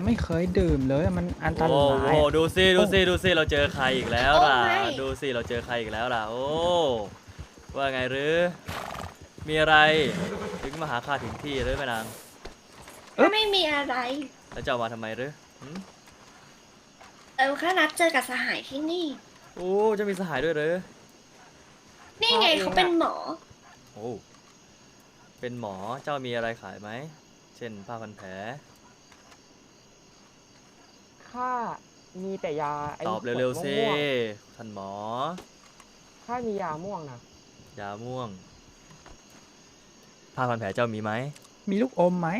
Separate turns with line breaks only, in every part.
ไม่เคยดื่มเลยมันอันตราย
โอ้ดูสิเราเจอใครอีกแล้วล่ะดูสิเราเจอใครอีกแล้วล่ะโอ้ว่าไงหรือมีอะไรถึงมาหาข้าถึงที่หรือแม่นาง
ไม่มีอะไร
แล้วจะเอามาทำไมหรือ
แค่นัดเจอกับสหายที่นี่
โอ้จะมีสหายด้วยหรือ
นี่ไงเขาเป็นหมอ
โอ้เป็นหมอเจ้ามีอะไรขายไหมเช่นผ้าพันแผล
ข้ามีแต่ยาไอ้
ตอบเร็วๆสิ
ม่วง
ท่านหมอ
ๆข้ามียาม่วงนะ
ยาม่วงผ้าพันแผลเจ้ามีไหม
มีลูกอมไหม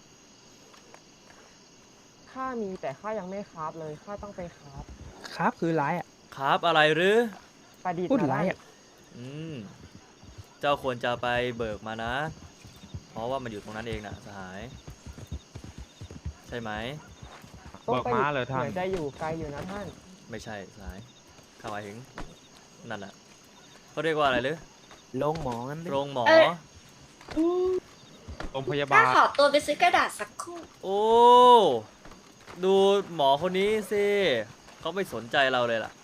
ข้ามีแต่ข้ายังไม่คราฟเลยข้าต้องไปคราฟ
ครับคือไรอ่ะ
ครับอะไรหรือ
ประดิษฐ์
พูด
มา
ไร
ได้
อ่ะ
อืมเจ้าควรจะไปเบิกมานะ เพราะว่ามันอยู่ตรงนั้นเองนะสหาย ใช่ไหม
ต้อง
เบิก
ไป
ม้าเลยท่าน
เหมือนจะอยู่ไกลอยู่นะท่าน
ไม่ใช่สหายข้าหมายถึงนั่นแหละเขาเรียกว่าอะไรหรือ
ลงหมองั้นดิ
โรงหมอ
เอ้ย อืม
โรงพยา
ข้า
บาล
ขอตัวไปซื้อกระดาษสักครู่
โอ้ดูหมอคนนี้สิเขาไม่สนใจเราเลยล่ะ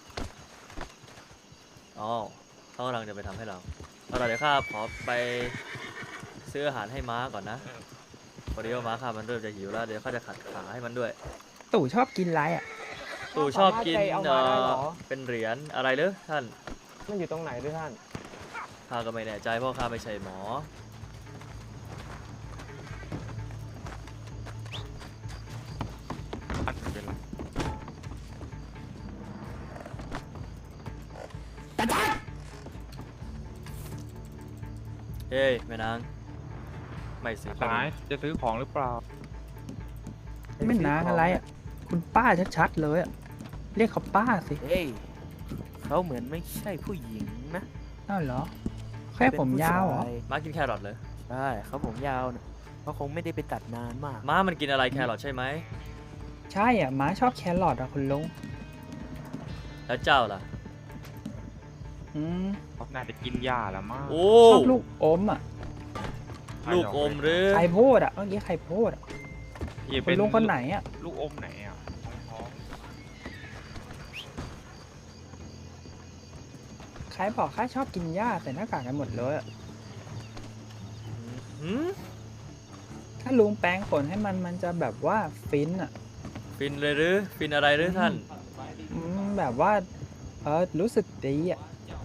อ๋อเขากำลังจะไปทำให้เราเอาล่ะเดี๋ยวข้าขอไปซื้ออาหารให้ม้าก่อนนะพอดีว่าม้าข้ามันเริ่มจะหิวแล้วเดี๋ยวข้าจะขัดขาให้มันด้วย
ตู่ชอบกินไรอ่ะ
ตู่ชอบกิน
ข้าสามารถไปเอามาได้เหรอ
เป็นเหรียญอะไรหรือท่าน
มันอยู่ตรงไหนด้วยท่าน
ข้าก็ไม่แน่ใจเพราะข้าไม่ใช่หมอเฮ้ยแม่นางไม่ซื้อขน
สาม ยจะซื้อของหรือเปล่า
ไม่นางอะไรอ่ะ คุณป้าชัดๆเลยอ่ะ เรียกเขาป้าสิ
เฮ้ยเขาเหมือนไม่ใช่ผู้หญิงนะ
อ้าวเหรอ แค่ผมยาวเหรอ
เป็นผู้ช
ม้ากินแครอทเลย
ใช่เขาผมยาวนะเขาคงไม่ได้ไปตัดนานมาก
ม้ามันกินอะไรแครอทใช่ไหม
ใช่อ่ะม้าชอบแครอทอ่ะคุณลุง
แล้วเจ้าล่ะ
อืม
เขาน่าจะกินหญ้าแล้วมั้ง
โอ้
ชอบลูกอมอ่ะ
ลูกอมหรือ
ใครพูดอ่ะเมื่อกี้ใครพูดอ่ะ
อย่า
คุ
เป็
ณลุงคนไหนอ่ะ
ลูกอมไหนอ่ะท้อง
ใครบอกข้าชอบกินหญ้าใส่หน้ากากกันหมดเลยอะ
หืม
ถ้าลุงแปรงขนให้มันจะแบบว่าฟินอ่ะ
ฟินเลยหรือฟินอะไรหรือท่าน
แบบว่ารู้สึกดีอ่ะ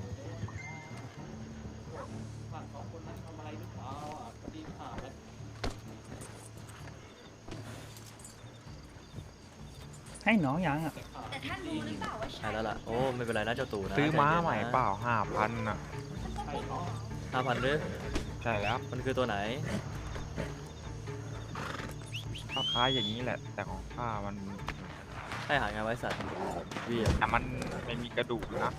ให้น้องยังอ่ะ
แต่ท่านรู้หรือเปล่าว่า
ใช่
ใช่
แล้วล่ะโอ้ไม่เป็นไรนะเจ้าตู่นะ
ซื้อม้าใหม่
ใจย็นนะ
เปล่า5,000น่ะ
5,000หรือ
ใช่แล้ว
มันคือตัวไหน
ก็คล้ายอย่างนี้แหละ แต่ของข้ามัน
ให้อาหารงานไว้สัตว์เวีย
แต่มันไม่มีกระดูกนะ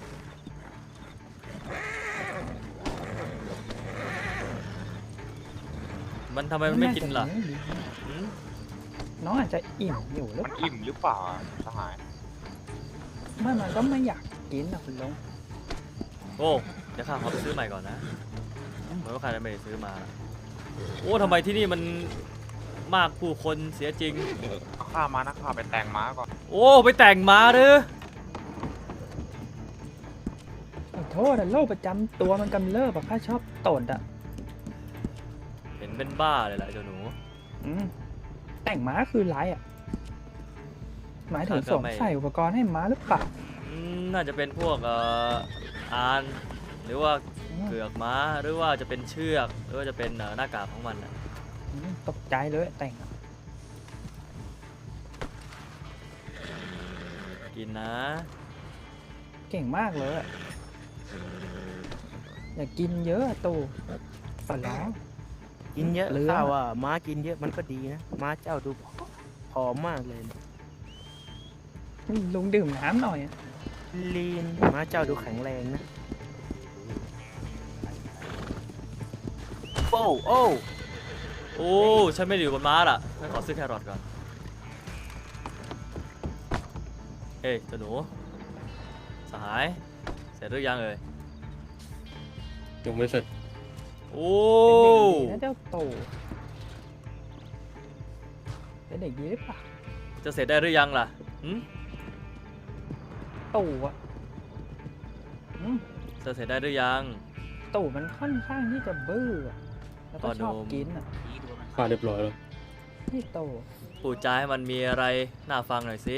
มันทำไมมันไม่กินล่ะ
าจจเลี้ยงดี
หืม
น้องอาจจะอิ่มอยู่หรือ
มัน
เปล่า
อิ่มหรือเปล่าอะสหาย
ไม่มันก็ไม่อยากกินนะคุณลุง
โอ้เดี๋ยวข้าขอไปซื้อใหม่ก่อนนะเหมือนว่าข้าจะไม่ได้ซื้อมาโอ้ทำไมที่นี่มันมากผู้คนเสียจริง
เอาข้ามานะข้าไปแต่งม้าก่อน
โอ้ไปแต่งม้าหรือ
ขอโทษอะโรคประจำตัวมันกำเริบอะข้าชอบตดอะ
เห็นเป็นบ้าเลยแหละเจ้าหนู
อืมแต่งม้าคือไรอะหมายถึง
ข้าก็
สวม
ไม่
ใส่อุปกรณ์ให้ม้าหรือเปล่า
น่าจะเป็นพวกอานหรือว่าเกือกม้าหรือว่าจะเป็นเชือกหรือว่าจะเป็นหน้ากากของมันน่ะ
ตกใจเลยแต่งอะ
กินนะ
เก่งมากเลยอะอย่ากินเยอะอะตู่ขอร้อง
กินเยอะ
เรื่อง
ข้าว่าม้ากินเยอะมันก็ดีนะม้าเจ้าดูผอมมากเลยนะ
ลุงดื่มน้ำหน่อยอะ
ลีนม้าเจ้าดูแข็งแรงนะโอ้โอ้
โอ้ฉันไม่ได้อยู่บนม้าล่ะฉันขอซื้อแครอทก่อนเฮ้ยเจ้าหนูสหายเสร็จหรือยังเอ่ย
ยังไม่เสร็จ
โอ้
เป็นเด็กดีนะเจ้าตู่เป็นเด็กดีหรือเปล่า
จะเสร็จได้หรือยังล่ะหืม
ตู่อะอืม
จะเสร็จได้หรือยัง
ตู่มันค่อนข้างที่จะบื้ออะแล้วก็ชอบ
พ่อหนุ่ม
กินอ่ะ
ข้าเรียบร้อยแล้ว
นี่ตู่
พูดจาให้มันมีอะไรน่าฟังหน่อยสิ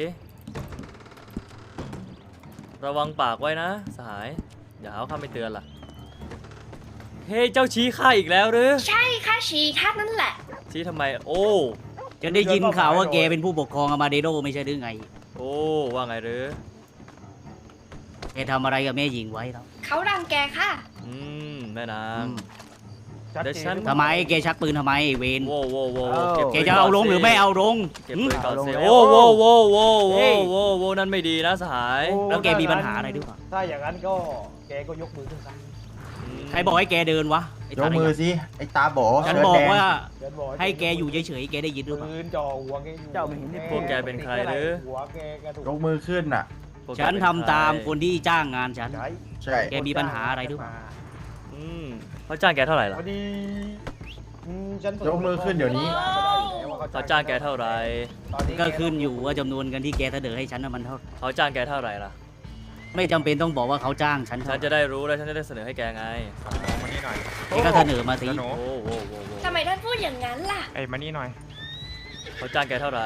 ระวังปากไว้นะสหาย อย่าหาว่าข้าไม่เตือนล่ะ เฮ้ยเจ้าชี้ข้าอีกแล้วหรือ
ใช่ค่ะชีท่านนั่นแหละ
ชี้ทำไม โอ้
จะได้ยินข่าวว่าแกเป็นผู้ปกครองอามาเดโดไม่ใช่หรือไง
โอ้ว่าไงหรือ
แกทำอะไรกับแม่หญิงไว้แล้ว
เขารังแกค่ะ
แม่นา
อื
ง
ม
เดี๋ยวฉัน
ทำไมแกชักปืนทำไมไอ้เวน
โว้โว้โว้
แกจะเอาลงหรือไม่เอาลง
เก็บ
หืม
ปืนก่อน
เอาลง
สิ
แล้ว
โอ้โว้โว้โว้
เฮ้
โว้
ย
โว้โว้นั่นไม่ดีนะสหาย
แล้วแกมีปัญหาอะไรหรือเปล่า
ถ้าอย่างนั้นก็แกก็ยกมือขึ้นซะ
ใครบอกให้แกเดินวะไอ้
ย
ตาก
มือ
เนี่ย
สิ ไอ้ตาโบ
ฉัน
เสื้
บอก
แดง
ว่า
เดินบอก
ให้แกอยู่เฉยๆแกได้ยินหรือเปล่า
ปืนจ่อหัวแกอยู่
เจ้าไม่เห็นนี่
พวกแกเป็นใครหรือ
หัวแกถูก
ยกมือขึ้นน่ะ
พวกแก
ฉัน
เป็
ทำ
ใร
ตามคนที่จ้างงานฉัน
ใช่
ใช่
แกมีปัญหาอะไรหรือเปล่า
อืมเขาจ้างแกเท่าไหร่ล่ะ
พอดีฉัน
ยกมือขึ้นเดี๋ยวนี้
เขาจ้างแกเท่าไหร่
ก็ขึ้นอยู่ว่าจำนวนเงินที่แกเสนอให้ฉันน่ะมันเท่า
เขาจ้างแกเท่าไหร่ล่ะ
ไม่จำเป็นต้องบอกว่าเขาจ้างฉัน
ฉั
เท่าน
จะได้รู้แล้วฉันจะได้เสนอให้แกไง
มานี่หน่อย
แกก็เสนอมาสิ
แล้วหนู
โอ้โหโว้โว้โว้
ทำไมท่านพูดอย่างนั้นล่ะ
เอ้ยมานี่หน่อย
เขาจ้างแกเท่าไหร่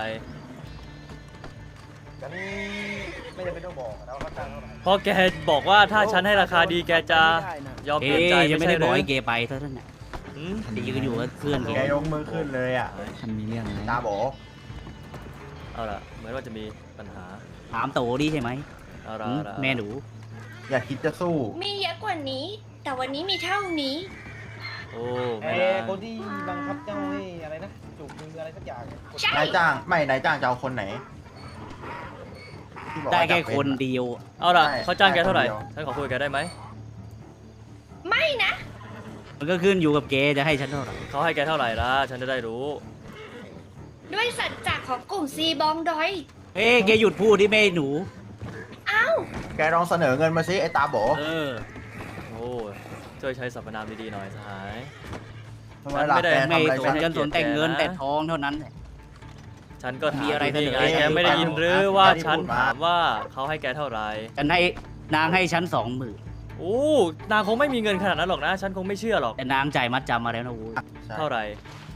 ฉันไม่จำเป็นต้องบอกนะว่าเขาจ้างเท่าไหร่
เพราะแกบอกว่าถ้าฉันให้ราคาดีแกจะยอมเป
เอ๊
ลี่ยนใจ
ะยังไม่ได้
ใช่
บอกให้
ห
แก
รือ
ไปเท่านั้นน่ะ
หืม
จะยืนอยู่กับเพื่อนแก
แกยกมือขึ้นเลยอ่ะ
ท่านมีเรื่องอะไร
ตาโบ
เอาล่ะเหมือนว่าจะมีปัญหา
ถามโตดีใช่ไหม
เอาล่ะ
หืม
เอาล่ะ
แม่หนู
อย่าคิดจะสู้
มีเยอะกว่านี้ แต่วันนี้มีเท่านี้
โอ้
เอ้
แม่
ย
นาง
คนที่บังคับเจ้าให้อะไรนะจูบมืออะไรสักอย่างเนี่ย
ใช่
นายจ้าง ไม่ นายจ้างจะเอาคนไหนที่บอก
ได้
ว่า
แค่
จะเป็
คนเดียว
เอาล่ะ
ใช่
เขาจ้างแกเท่าไหร่
ได้คนเดียว
ฉันขอคุยกับแกได้ไหม
ไม่นะ
มันก็ขึ้นอยู่กับแกจะให้ฉันเท่าไหร่
เขาให้แกเท่าไหร่ล่ะฉันจะได้รู้
ด้วยสัจจะของกลุ่มซีบองดอย
เอ้ยแกหยุดพูดที่แม่หนู
เอ้า
แกลองเสนอเงินมาสิ ไอ้ตาโบ
เออ
โอ้ช่วยใช้สรรพนามดีๆหน่อยสหาย
ทำไมล่ะ
ไม่ได้
แก
ไม่
ทำอะไร
ส
ฉั
น
น
กันสนแต่เงินแต่ทองเท่านั้นแหละ
ฉันก็ถาม
มีอะไร
ยู่นี่
เสนอ
ไงแกไม่ได้ยินหรือว่าฉันถามว่าเขาให้แกเท่าไหร่
ฉันให้นางให้ฉัน20,000
โอ้นางคงไม่มีเงินขนาดนั้นหรอกนะ ฉันคงไม่เชื่อหรอก
แต่นางจ่ายมัดจำมาแล้วนะโว้ย
ใช่
เท่าไหร่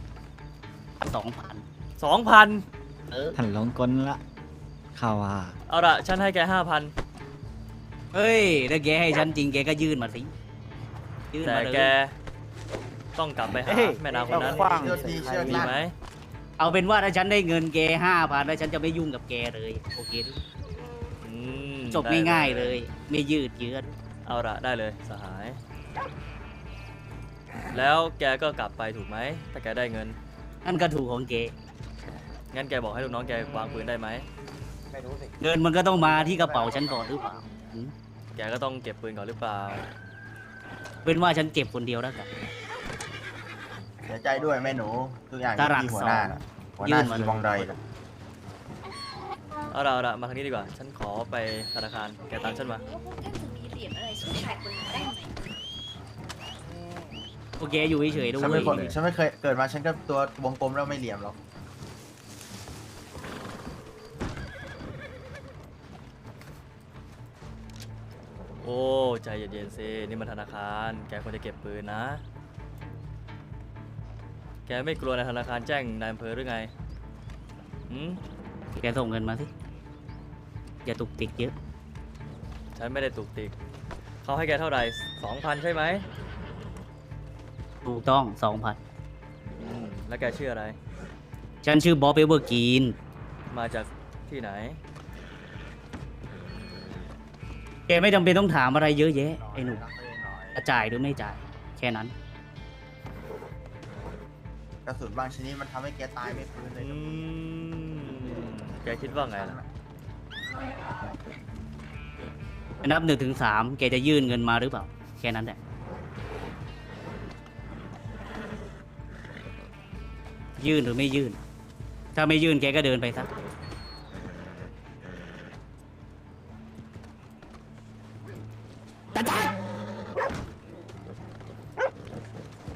2,000
2,000
เออ
ท่านหลงกลละข่าวว่า
เอาละฉันให้แก5,000
เฮ้ยถ้าแกให้ฉันจริงแกก็ยื่นมาสิยื่น
แต่
มาเลย
แกต้องกลับไปหา
เอ้ย
แม่นางคนนั้น
เอาขว้าง
เชื่อดีเชื่อ
ดี
ดี
ไหม
เอาเป็นว่าถ้าฉันได้เงินแก5,000แล้วฉันจะไม่ยุ่งกับแกเลยโอเคหรือ
อืม
จบ
ได้
ง่ายๆเลย ไม่ยืดเยื้อ
เอาละได้เลยสหาย แล้วแกก็กลับไปถูกไหมถ้าแกได้เงิน
นั่นก็ถูกของแก
งั้นแกบอกให้ลูกน้องแกวางปืนได้ไหม
ไม่รู้สิ
เงินมันก็ต้องมาที่กระเป๋าฉันก่อนหรือเปล่าหืม
แกก็ต้องเก็บปืนก่อนหรือเปล่า
เป็นว่าฉันเก็บคนเดียวแล้วกัน
เสียใจด้วยแม่หนู ทุกอย่าง
ตารัก
ที่หัวหน้า
สอง
น่ะหัวห
ยื่
น้าน
มา
ซีบองดอย
เอาละมาทางนี้ดีกว่า ฉันขอไปธนาคารแกตามฉันมา
ว่าพวกท่านจะมีเหรียญอะไรสู้ชายคนนั้นได้ไหม
โอเคอยู่เฉยๆด้ว
ฉันไม่
ย
คนฉันไม่เคยเกิดมาฉันก็ตัววงกลมแล้วไม่เหลี่ยมหรอก
โอ้ใจเย็นๆสินี่มันธนาคารแกควรจะเก็บปืนนะ แกไม่กลัวนายธนาคารแจ้งนายอำเภอหรือไงหืม
แกส่งเงินมาสิอย่าตุกติกเยอะ
ฉันไม่ได้ตุกติกเขาให้แกเท่าไหร่ 2,000 ใช่ไหม
ถูกต้อง
แล้วแกชื่ออะไร
2,000 ฉันชื่อบ๊อบเอเวอร์กรีน
มาจากที่ไหน
แกไม่จำเป็นต้องถามอะไรเยอะแยะไอ้หนุ่มจะจ่ายหรือไม่จ่าย แค่นั้น
กระสุนบางชนิดมันทำให้แกตายไม่ฟื้นเลยนะ
แกคิดว่าไงล่ะ
นับ1 ถึง 3แกจะยื่นเงินมาหรือเปล่า แค่นั้นแหละ ยื่นหรือไม่ยื่น ถ้าไม่ยื่นแกก็เดินไปซะ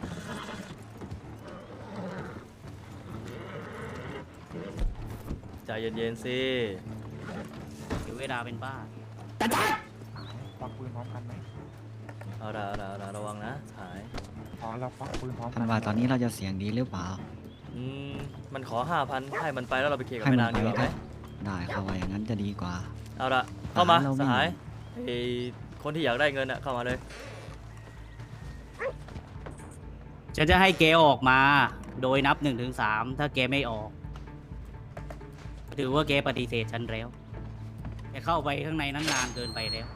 ใจเย็นๆสิ
เดี๋ยวเวลาเป็นบ้า
ควักปืนพร้อมกันไหม
เอาละระวังนะสหาย
พอเราควักปืนพร้อมกั
ท่านว่าตอนนี้เราจะเสียงดีหรือเปล่า
อืมมันขอ 5,000ให้มันไปแล้วเราไปเคลียร์กับ
ให้
แม่
มั
นาง
ไป
ดีกว่าไหม
ได้เขาว่าอย่างนั้นจะดีกว่า
เอาละเข้ามา
เราไม่
สหายไอคนที่อยากได้เงินอะเข้ามาเลย
ฉันจะให้แกออกมา โดยนับ1 ถึง 3ถ้าแกไม่ออก ถือว่าแกปฏิเสธฉันแล้วแกเข้าไปข้างในนั้นนานเกินไปแล้ว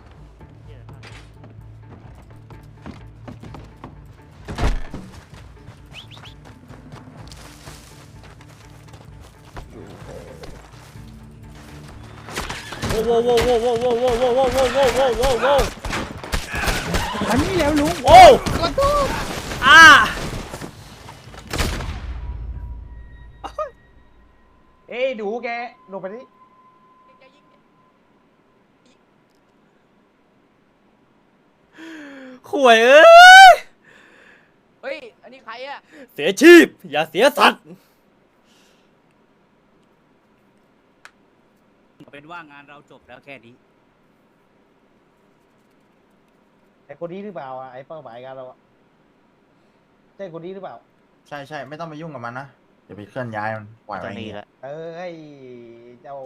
โว้โว้โว้โว้โว้โว้โว้โว้โว้โว้โว้โว้โว้โว้โว้
มันนี่แล้วลุง
โอ้อ่า
เอ้ยดูแกลงไปนี่
ข่วยเอ้ย
เฮ้ย อันนี้ใครอะ
เสียชีพ อย่าเสียสัตว์
เป็นว่างานเราจบแล้วแค่นี้
ไอ้คนนี้หรือเปล่าไอ้เป้าหมายกันเราใช่คนนี้หรือเปล่า
ใช่ใช่ไม่ต้องไปยุ่งกับมันนะอย่าไปเคลื่อนย้ายมันปล่อยไว้อย่างนี้
ไอ้เจ้า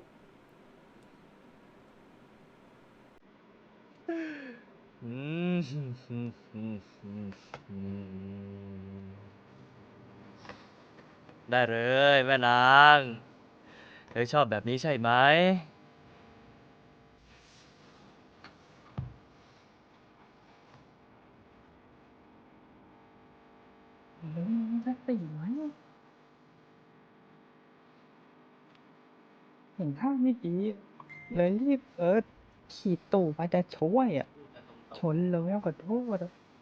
ได้เลยแม่นางเธอชอบแบบนี้ใช่ไหม
ลุงจะติไหมเห็นท่าไม่ดีเลยรีบขี่ตู่มาจะช่วยอ่ะ ชนเลยขอโทษอะ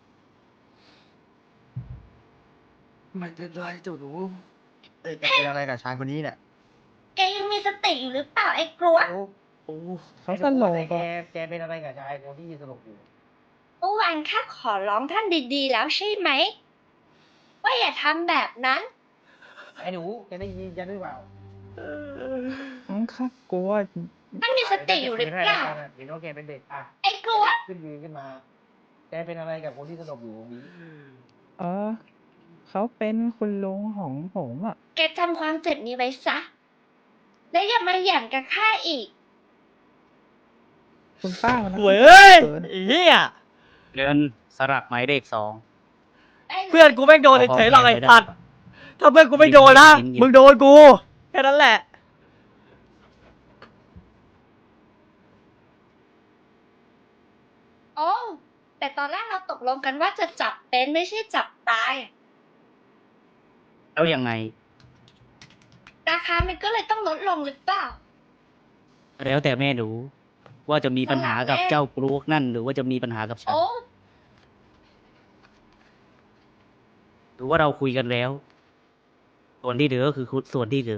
ไม่เป็นไรเจ้าหนู
เอ้ยจะเป็นอะไรกับชายคนนี้เนี่ย
แกยังมีสติอยู่หรือเปล่าไอ้กลัว
โอ้
เขาสโล
แก
กอะ
แกเป็นอะไรกับชายคนที่สลบอยู่
เมื่อวานข้าขอร้องท่านดีๆ แล้วใช่ไหม ว่าอย่าทำแบบนั้น
ไอ้หนูแกได้ยินยันหรือเปล่า
ข้ากลัว
ท่านมีสติอยู่หรือเปล่า
เห็นว่าแกเป็นเด็กอ่ะ
ไอ้กลัว
ขึ้นยืนขึ้นมา แกเป็นอะไรกับคนที่สลบอยู่นี้
เขาเป็นคุณลุงของผมอ่ะ
แกจำความเจ็บนี้ไว้ซะ และอย่ามาหยั่งกับข้าอีก
คุณป้ามัน
ข่วยเอ้ย
เกิน
ไอ้เหี้ย
เดินสลักหมายเลข
เพื่อนกูแม่งโดนเฉยๆหรอกไอ้สัตว์ถ้าเพื่อนกูไม่โดนนะ มึงโดนกู แค่นั้นแหละ
โอ้ แต่ตอนแรกเราตกลงกันว่าจะจับเป็นไม่ใช่จับตาย
2 แล้วยังไง
ราคามันก็เลยต้องลดลงหรือเปล่า
แล้วแต่แม่หนูว่าจะมีปัญหากับเจ้ากรูกนั่น หรือว่าจะมีปัญหากับฉัน
โอ้
หรือว่าเราคุยกันแล้ว ส่วนที่เหลือก็คือส่วนที่เหลือ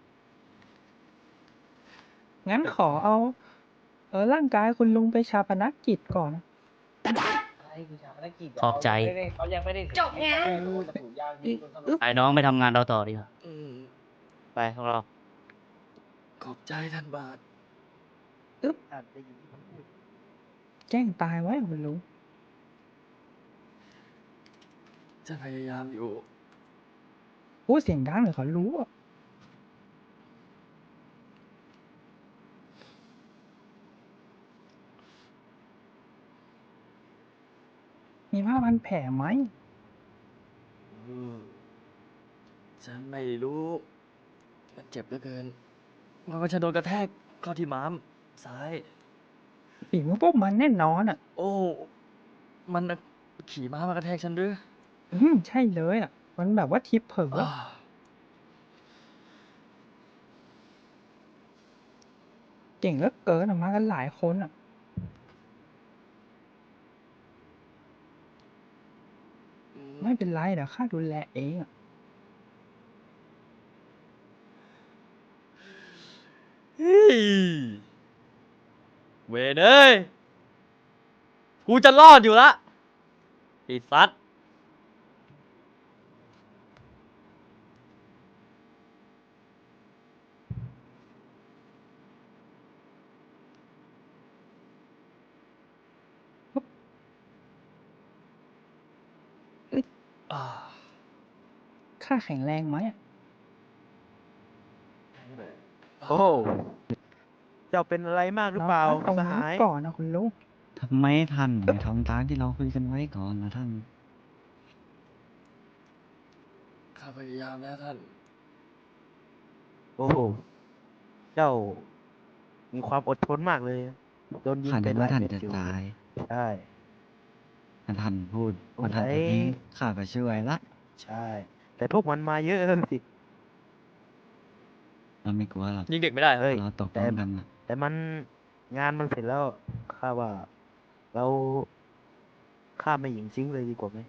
งั้นขอเอาร่างกายคุณลุงไปชาปนกิจก่อน
ไอ้คือชาวนักกิจ
ขอบใจ
เขายังไม่ได้
จบงาน
จะถูกยางยิงจนสลบ
ไอ้น้องไปทำงานเราต่อดีกว่า
ไปของเรา
ขอบใจท่านบาท
แจ้งตายไว้คุณลุง
จะพยายามอยู่
พูดเสียงดังเดี๋ยวเขารู้อะมีผ้าพันแผลไหม
ฉันไม่รู้ มันเจ็บเหลือเกินเพราะว่าฉันโดนกระแทกเข้าที่ม้ามซ้าย
ฝีมือพวกมันแน่นอนอ่ะ
โอ้ มันขี่ม้ามากระแทกฉันหรือ
ใช่เลยอ่ะ มันแบบว่าทิปเผลอ
อ้า
เก่งเหลือเกินอะมากันหลายคนอ่ะ ไม่เป็นไรเดี๋ยวข้าดูแลเองอ่ะ
เฮ้ยเวนเอ้ย กูจะรอดอยู่ละไอ้สัตว์
ข้าแข็งแรงไหมอะ
โอ้ เจ้าเป็นอะไรมากหรือเปล่า
ตรง
ส
นี้
หาย
ก่อนนะคุณลุง
ทำไมท่านไม่ทำตามที่เราคุยกันไว้ก่อนนะท่าน
ข้าพยายามแล้วท่าน
โอ้โหเจ้า มีความอดทนมากเลย โดนยิง
ข้า
เป็
นึ
น
ก
หลา
ว่าย ท่าน
เม็ด
จะ
อยู่
ตาย
ใช่
ถ้าท่านพูด
โอ้
ว่าท่านจะ
ย
ทิ้งข้าก็ช่วยละ
ใช่ แต่พวกมันมาเยอะสิ
เราไม่กลัวหรอก
ยิงเด็กไม่ได้
เฮ้ย
เราตกล
แต่
งกันนะ
แต่มันงานมันเสร็จแล้วข้าว่า เราฆ่าไม่หญิงซิงเลยดีกว่าไหม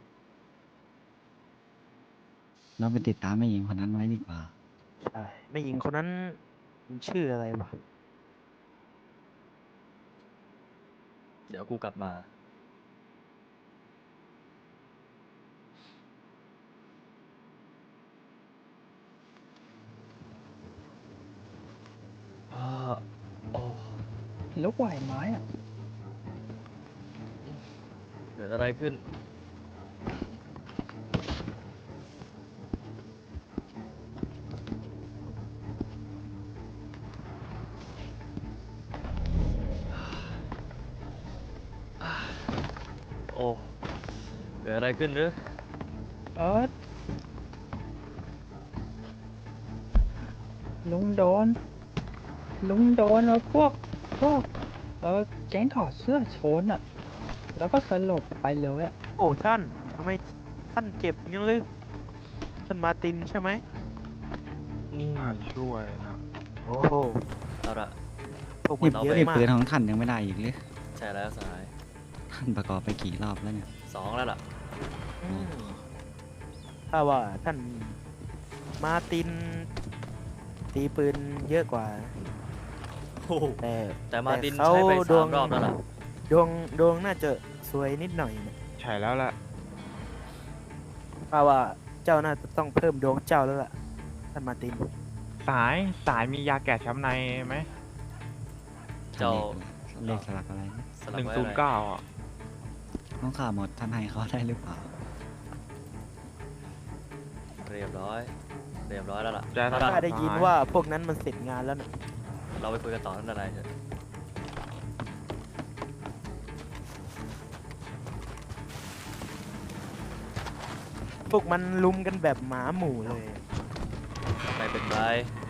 เราไปติดตามแม่หญิงคนนั้นไว้ดีกว่า
ใช่ไม่หญิงคนนั้นมันชื่ออะไรวะ
เดี๋ยวกูกลับมา โอ้
ลุกไหวไหมอะ
เกิดอะไรขึ้น โอ้ เกิดอะไรขึ้นหรือ
ลุงโดนพวกแก๊งถอดเสื้อโชนอะแล้วก็สลบไปเลยอะ
โอ้ท่านทำไมท่านเจ็บอยังเลยท่านมาร์ตินใช่ไหม
ช่วยนะ
โอ้โห
เอาละ
พวกมัน
เรา
เยอะ
ไป
นี่
มาก
ปืนของท่านยังไม่ได้อีกหรือ
ใช่แล้วสหาย
ท่านประกอบไปกี่รอบแล้วเนี่ย
2 แล้วล่ะ
อืมถ้าว่าท่านมาร์ติน ตีปืนเยอะกว่า
โอ้โห
แต่
แต่มาร์ติน
เขา
ใช้ไป
ดวง
3 รอบแล้วล่ะ
ดวงน่าจะสวยนิดหน่อยนะ
ใช่แล้วล่ะ
ถ้าว่าเจ้าน่าจะต้องเพิ่มดวงเจ้าแล้วล่ะท่านมาร์ติน
สายมียาแก้ช้ำในไหม
เจ้า
เลขสลักอะไรนะ
สลักไว้อะไร
109อ่ะ
น้องข่าหมดท่านให้เขาได้หรือเปล่า
เรียบร้อยแล้วล่ะ
จะ
เอา
ข้า
ล่ะ
ได้ยินว่าพวกนั้นมันเสร็จงานแล้วนะ
เราไปคุยกันต่อนั่นอะไรเถอะ
พวกมันลุมกันแบบหมาหมู่เลย
ไม่เป็นไร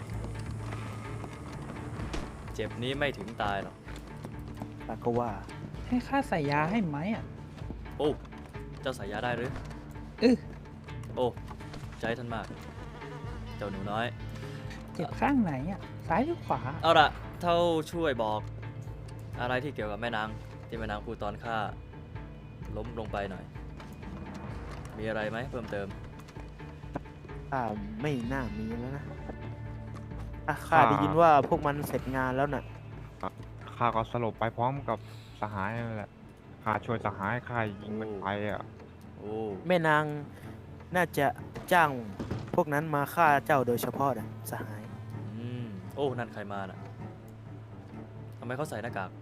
เจ็บนี้ไม่ถึงตายหรอก
ปาก็ว่า
ให้ข้าใส่ยาให้ไหมอะ
โอ้ เจ้าใส่ยาได้หรือ
อื้อ
โอ้ ใจท่านมาก เจ้าหนูน้อย
เจ็บข้างไหนอะซ้ายหรือขวา
เอาล่ะ เท่าช่วยบอก อะไรที่เกี่ยวกับแม่นาง ที่แม่นางพูดตอนข้าล้มลงไปหน่อย มีอะไรไหมเพิ่มเติม
ข้าไม่น่ามีแล้วนะข้าได้ยินว่าพวกมันเสร็จงานแล้วน่ะ
ข้าก็สลบไปพร้อมกับสหายนั่นแหละข้าช่วยสหายข้ายิงมันไปอ่ะ
โอ้
แม่นางน่าจะจ้างพวกนั้นมาฆ่าเจ้าโดยเฉพาะนะสหาย
โอ้ นั่นใครมาน่ะทำไมเขาใส่หน้ากาก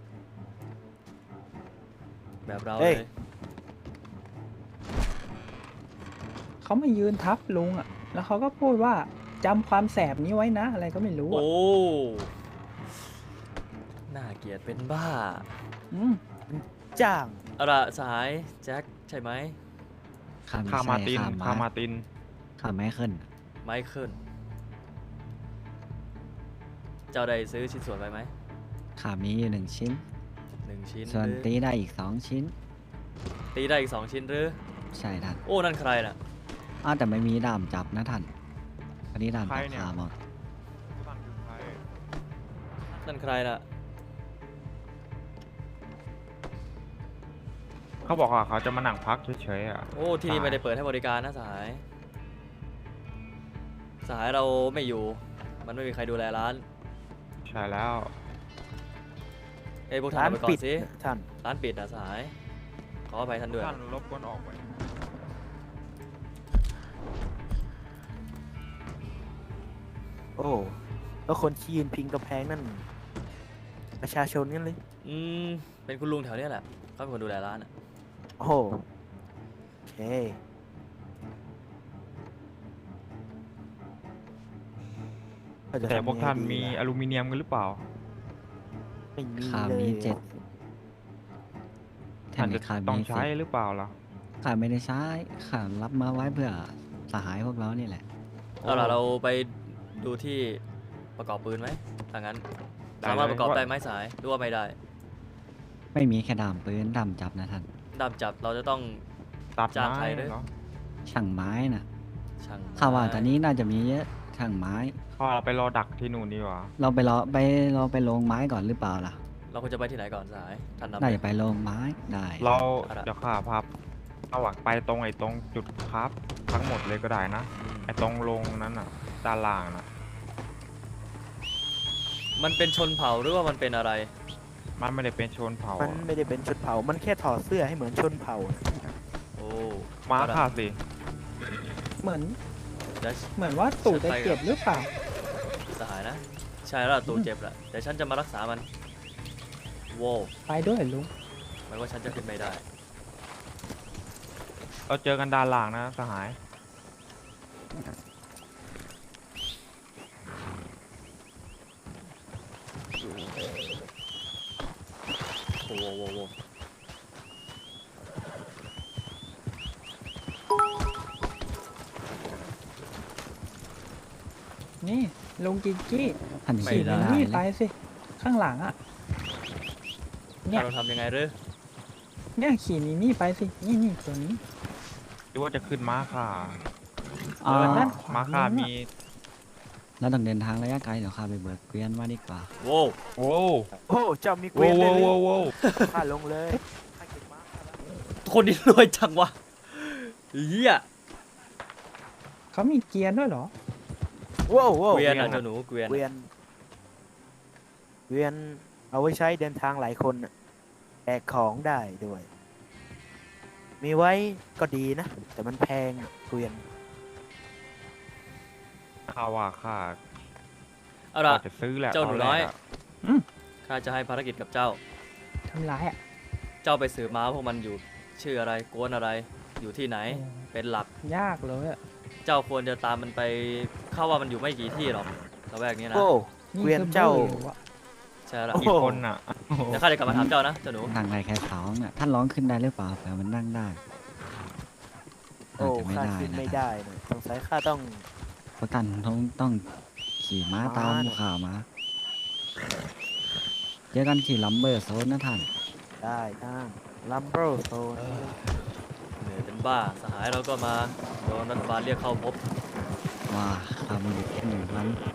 แบบเรา
เฮ้
เลย ย
เขามายืนทับลุงอะแล้วเขาก็พูดว่าจำความแสบนี้ไว้นะ อะไรก็ไม่รู้อะ
โอ้ น่าเกลียดเป็นบ้า
อืม
จ้าง
เอาล่ะสหายแจ็คใช่ไหม
ข้าไม่
ข้า
ใช่
มาร์ติน
ข้า
ข้า
มา
มาร์ติน
ข้าไม่ขึ้น
ไมเคิลเจ้าได้ซื้อชิ้นส่วนไปไหม
ข้ามีอยู่1 ชิ้น
1 ชิ้น
ส่วน
หรือ
ตีได้อีก2 ชิ้น
ตีได้อีก 2 ชิ้นหรือ
ใช่ท่าน
โอ้ นั่นใครน่ะ
อ้าวแต่ไม่มีด้ามจับนะท่านอันนี้ด้าม
ใคร
จับ
เนี่ย
ขาหมด
ท่านคือใคร
นั่นใครน่ะ
เขาบอกว่าเขาจะมานั่งพักเฉยๆอ่ะ
โอ้ ที่นี่
สหาย
ไม่ได้เปิดให้บริการนะสหาย สหายเราไม่อยู่ มันไม่มีใครดูแลร้าน
ใช่แล้ว
เอ้ยพวกท่าน
ร้าน
เอาไปก่อ
ปิด
นสิ
ท่าน
ร้านปิดนะสหาย ขออภัยท่านด้วย
ท่านรบกวนออกไป
โอ้แล้วคนที่ยืนพิงกำแพงนั่น ประชาชนกันเลย
เป็นคุณลุงแถวเนี้ยแหละ เขาเป็นคนดูแลร้านอ่ะ
โอ้โหโอเคเราจะ
แต่
ทำ
พวกท่าน
ยังไงดี
มี
ล่ะ
อลูมิเนียมกันหรือเปล่า
ไม่มี
ข้า
เล
มี
ย
7
ท่านจะ
ข้า
ต้อง
มี
ใช้
10
หรือเปล่าล่ะ
ข้าไม่ได้ใช้ข้ารับมาไว้เพื่อสหายพวกเรานี่แหละ
เอาล่ะเราไปดูที่ประกอบปืนไหมถ้างั้น
ได้
สามารถ
เลย
ประกอบ
ว่า
ได้ไหมสายหรือว่าไม่ได้
ไม่มีแค่ดามปืนดามจับนะท่าน
ดามจับเราจะต้อง
ตัด
จาก
ไม้
ใครด้วย
เหรอ
ช่างไม้น่ะ
ช่างไม้
ข้าว่าตอนนี้น่าจะมีเยอะช่างไม้
ข้าเราไปรอดักที่นู่นดีกว่า
เราไปลงไม้ก่อนหรือเปล่าล่ะ
เราควรจะไปที่ไหนก่อนสายท่านนำ
น่า
เลย
จะไปลงไม้ได้
เรา
เอาล่ะ
เดี๋ยวข้าพาเอาอะไปตรงไอ้ตรงจุดครับทั้งหมดเลยก็ได้นะ
อืม
ไอ้ตรงลงนั้นอ่ะ ด้านล่างนะ
มันเป็นชนเผ่าหรือว่ามันเป็นอะไร
มันไม่ได้เป็นชนเผ่า
มันไม่ได้เป็นชนเผ่า มันแค่ถอดเสื้อให้เหมือนชนเผ่าน่ะ
โอ้
มา
เอล่ะ
ข้าสิ
เหมือน
เดี๋ยว
เหมือนว่าตู่จะเจ็บหรือเปล่า
สหายนะ ใช่แล้วล่ะตัวเจ็บแหละแต่ฉันจะมารักษามันโว้
ไปด้วยลุง
หมายว่าฉันจะขึ้นไม่ได้
เราเจอกันด้านล่างนะสหาย
โว้โว้โว้
นี่ลุงกิกกี้
ท่าน
ไม่
ขี่
ได้
ไม่ได้
นี่
เล
ไป
ย
สิ ข้างหลังอ่ะ เนี่ย
เราทำยังไงหรือ
เนี่ยขี่นี่ไปสิ นี่ตัวนี้
หรือว่าจะขึ้นม้าข้า
อ๋อ
ด้านขวา
ม้าข้า
นู้น
มี
น่ะ
แล้วต้องเดินทางระยะไกลเดี๋ยวข้าไปเบิกเกวียนมาดีกว่า
โว้
โอ้
โอ้ เจ้ามีเก
โว้
วียน
โว้
เลย
โว้โว้
ข้าลงเลยข้าเก็บม้าข้าแล้ว
คนนี้รวยจังวะเหี้ย
เขามีเกียร์ด้วยเหรอ
ว้าวว้าว
เกวียนอ่ะเจ้าหนูเกวียน
เกวียนเกวียนเอาไว้ใช้เดินทางหลายคนน่ะแบกของได้ด้วย มีไว้ก็ดีนะ แต่มันแพงอะเกวียน
ข้าว่าข้า
เอาล่ะ
ว่าจะซื้อแหละ
เจ้าหนู
ตแรก
น้อย
อะ
ข้าจะให้ภารกิจกับเจ้า
ทำร้ายอ่ะ
เจ้าไปสืบม้าพวกมันอยู่ชื่ออะไรกวนอะไรอยู่ที่ไหน
โอ้
เป็นหลัก
ยากเลยอ่ะ
เจ้าควรจะตามมันไปเข้าว่ามันอยู่ไม่กี่ที่หรอกระแวกนี้นะ
โอ้
นี่
เกวียน
คือ
เจ้า
บื้ออยู่อะ
ใช่แล้ว
โอ้
กี่คนอ่ะ
เดี๋ยวข้าจะกลับมาถามเจ้านะเจ้าหนู
นั่งได้แค่สองน่ะท่านร้องขึ้นได้หรือเปล่าเผื่อมันนั่งได้
โอ้
น่าจะไม่
ข้า
ได้
ขึ้น
นะ
ไม่
ท่าน
ได้นะสงสัยข้าต้อง
เพราะท่านต้องขี่ม้าตาม
ม้าเนี่ย
ข่าวมาเจอกันที่ลัมเบอร์โซนนะท่าน
ได้ท่านลัมเบอร์โซน
เหนื่อยเป็นบ้าสหายเราก็มาโดนรัฐบาลเรียกเข้าพบ
ว่าข้ามีอยู่แค่1 วัน